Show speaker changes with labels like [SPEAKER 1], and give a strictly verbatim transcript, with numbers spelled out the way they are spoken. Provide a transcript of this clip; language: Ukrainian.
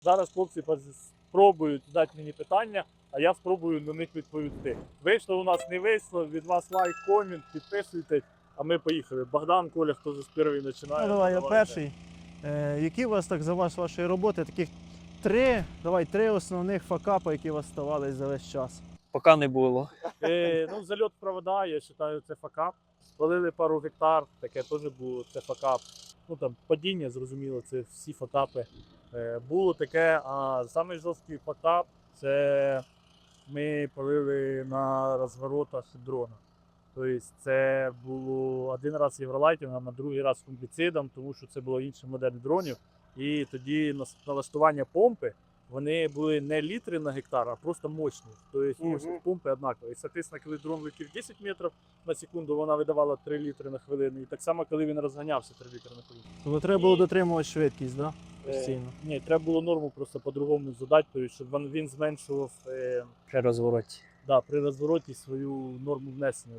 [SPEAKER 1] Зараз хлопці спробують задати мені питання, а я спробую на них відповісти. Вийшло у нас, не вийшло, від вас лайк, комент, підписуйтесь, а ми поїхали. Богдан, Коля, хто з перший починає?
[SPEAKER 2] Ну, давай, я
[SPEAKER 1] Давайте.
[SPEAKER 2] перший. Е, які у вас так за ваш, вашої роботи, таких три, давай, три основних факапи, які у вас ставались за весь час?
[SPEAKER 3] Поки не було.
[SPEAKER 1] Е, ну, зальот провода, я вважаю, це факап. Спалили пару гектар, таке теж було, це факап. Ну там падіння, зрозуміло, це всі факапи. Е, було таке, а самий жорсткий факап це ми палили на розворотах дрона. Тобто це було один раз євролайтингом, а другий раз фунгіцидом, тому що це було інша модель дронів. І тоді нас- налаштування помпи, вони були не літри на гектар, а просто мощні. Тобто
[SPEAKER 2] Мгм.
[SPEAKER 1] мощність помпи однакова. І, соответственно, коли дрон летів десять метрів на секунду, вона видавала три літри на хвилину. І так само, коли він розганявся три літри на хвилину.
[SPEAKER 2] Тобто треба було дотримувати швидкість, да?
[SPEAKER 1] Е,
[SPEAKER 2] Постійно.
[SPEAKER 1] Ні, треба було норму просто по-другому задати, тобто, щоб він він зменшував е,
[SPEAKER 3] При розвороті.
[SPEAKER 1] да, при розвороті свою норму внесення.